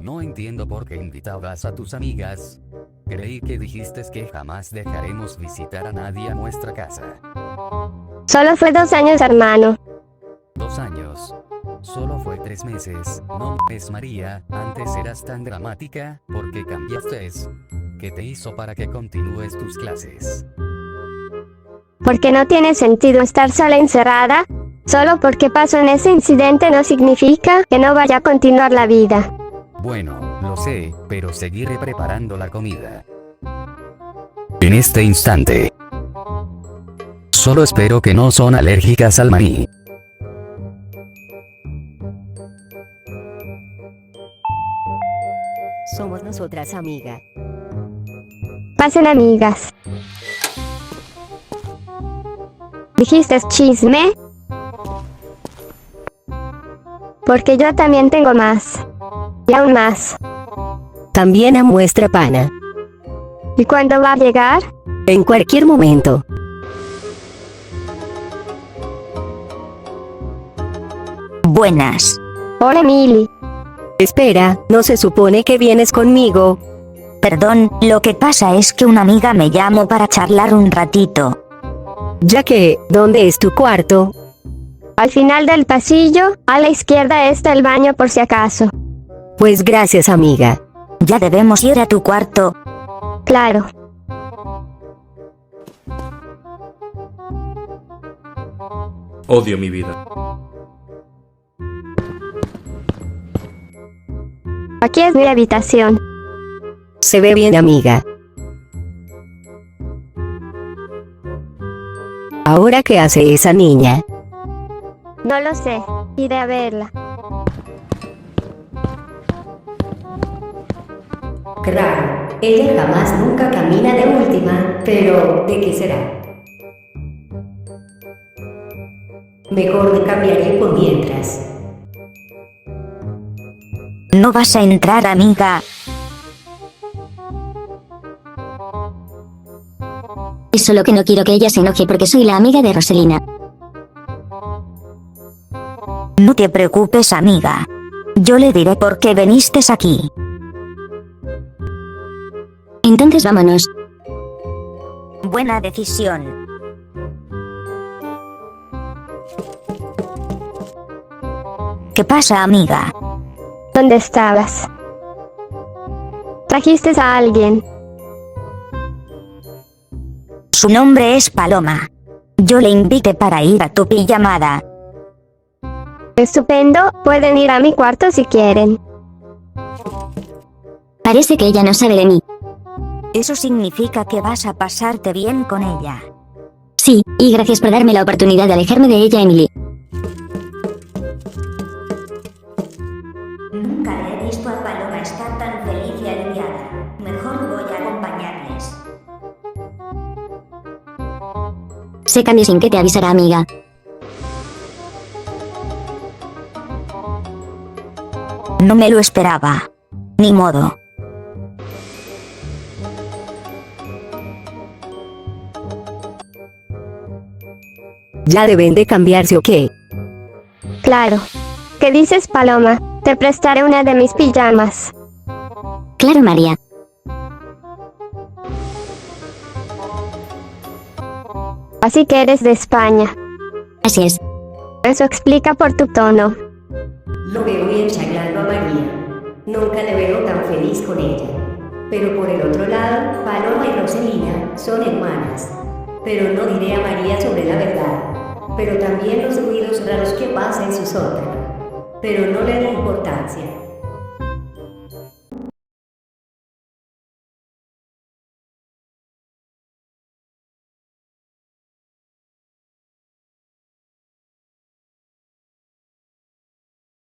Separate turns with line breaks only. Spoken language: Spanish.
No entiendo por qué invitabas a tus amigas. Creí que dijiste que jamás dejaremos visitar a nadie a nuestra casa.
Solo fue 2 años, hermano.
2 años. Solo fue 3 meses. No es María, antes eras tan dramática, ¿por qué cambiaste? ¿Qué te hizo para que continúes tus clases?
Porque no tiene sentido estar sola encerrada. Solo porque pasó en ese incidente no significa que no vaya a continuar la vida.
Bueno, lo sé, pero seguiré preparando la comida. En este instante. Solo espero que no son alérgicas al maní.
Somos nosotras, amiga.
Pasen, amigas. ¿Dijiste chisme? Porque yo también tengo más. Y aún más.
También amo nuestra pana.
¿Y cuándo va a llegar?
En cualquier momento.
Buenas.
Hola, Mili.
Espera, ¿no se supone que vienes conmigo?
Perdón, lo que pasa es que una amiga me llamó para charlar un ratito.
Ya que, ¿dónde es tu cuarto?
Al final del pasillo, a la izquierda está el baño por si acaso.
Pues gracias, amiga.
Ya debemos ir a tu cuarto.
Claro.
Odio mi vida.
Aquí es mi habitación.
Se ve bien, amiga. ¿Ahora qué hace esa niña?
No lo sé. Iré a verla.
Claro, ella jamás nunca camina de última, pero ¿de qué será? Mejor me cambiaré por mientras.
¿No vas a entrar, amiga?
Es solo que no quiero que ella se enoje porque soy la amiga de Roselina.
No te preocupes, amiga. Yo le diré por qué viniste aquí.
Entonces vámonos.
Buena decisión. ¿Qué pasa, amiga?
¿Dónde estabas? ¿Trajiste a alguien?
Su nombre es Paloma. Yo le invité para ir a tu pijamada.
Estupendo, pueden ir a mi cuarto si quieren.
Parece que ella no sabe de mí.
Eso significa que vas a pasarte bien con ella.
Sí, y gracias por darme la oportunidad de alejarme de ella, Emily.
Nunca le he visto a Paloma estar tan feliz y aliviada. Mejor voy a acompañarles.
Se cambia sin que te avisara, amiga.
No me lo esperaba. Ni modo.
¿Ya deben de cambiarse o qué?
Claro. ¿Qué dices, Paloma? Te prestaré una de mis pijamas.
Claro, María.
Así que eres de España.
Así es.
Eso explica por tu tono.
Lo veo bien charlando a María. Nunca le veo tan feliz con ella. Pero por el otro lado, Paloma y Roselina son hermanas. Pero no diré a María sobre la verdad. Pero también los ruidos raros que pasan en su sótano. Pero no le da importancia.